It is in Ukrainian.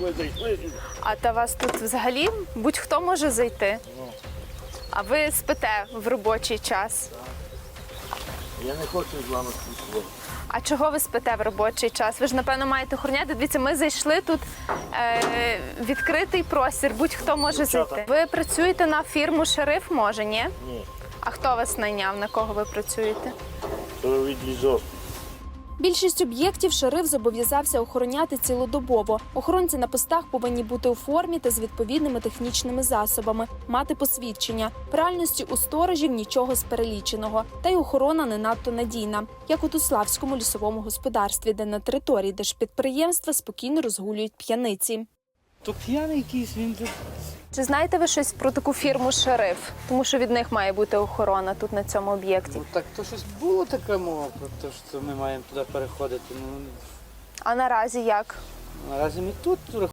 ви зайшли. А та вас тут взагалі будь-хто може зайти? А ви спите в робочий час? Я не хочу з вами спілкуватися. А чого ви спите в робочий час? Ви ж, напевно, маєте охороняти. Дивіться, ми зайшли тут відкритий простір, будь-хто може Дівчата. зайти. Ви працюєте на фірму «Шериф», може, ні? Ні, А хто вас найняв, на кого ви працюєте? то від лізок. Більшість об'єктів шериф зобов'язався охороняти цілодобово. Охоронці на постах повинні бути у формі та з відповідними технічними засобами, мати посвідчення. В реальності у сторожів нічого з переліченого. Та й охорона не надто надійна, як у Туславському лісовому господарстві, де на території держпідприємства спокійно розгулюють п'яниці. То п'яний якийсь він тут. Чи знаєте ви щось про таку фірму «Шериф»? Тому що від них має бути охорона тут на цьому об'єкті. Ну так то щось було така мова про те, що ми маємо туди переходити. Ну А наразі як? наразі ми тут